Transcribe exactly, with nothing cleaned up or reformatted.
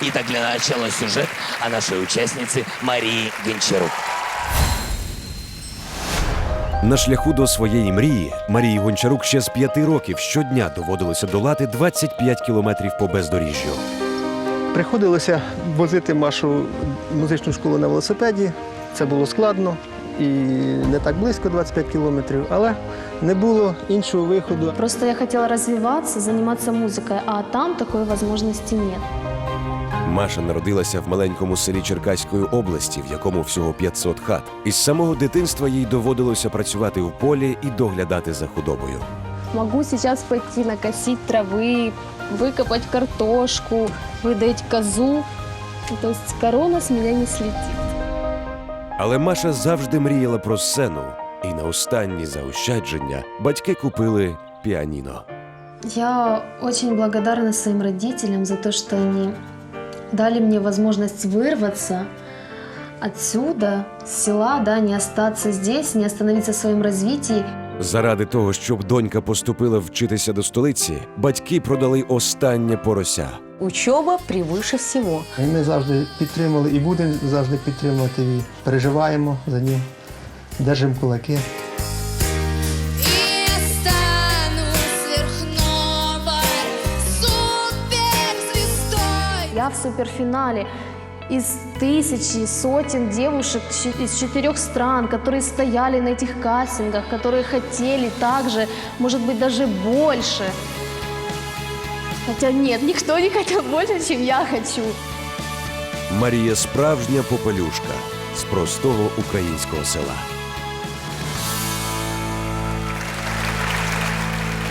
Итак, для начала сюжет о нашей участнице Марии Гончарук. На шляху до своєї мрії Марії Гончарук ще з п'яти років щодня доводилося долати двадцять п'ять кілометрів по бездоріжжю. Приходилося возити Машу в музичну школу на велосипеді. Це було складно і не так близько, двадцять п'ять кілометрів, але не було іншого виходу. Просто я хотела развиваться, заниматься музыкой, а там такой возможности нет. Маша народилася в маленькому селі Черкаської області, в якому всього п'ятсот хат. Із самого дитинства їй доводилося працювати в полі і доглядати за худобою. Могу сейчас пойти накосить травы, выкопать картошку, выдать козу. То есть корона с меня не слетит. Але Маша завжди мріяла про сцену. І на останні заощадження батьки купили піаніно. Я очень благодарна своим родителям за то, что они дали мне возможность вырваться отсюда, с села, да, не остаться здесь, не остановиться в своем развитии. Заради того, щоб донька поступила вчитися до столиці, батьки продали останнє порося. Учеба превыше всего. І ми завжди підтримували і будемо завжди підтримувати її. Переживаємо за ним, держимо кулаки. И я стану сверхновой суперзвездой. Я в суперфинале из тысячи, сотен девушек щ- из четырех стран, которые стояли на этих кастингах, которые хотели также, может быть, даже больше. Хотя нет, никто не хотел больше, чем я хочу. Марія справжня попелюшка з простого українського села.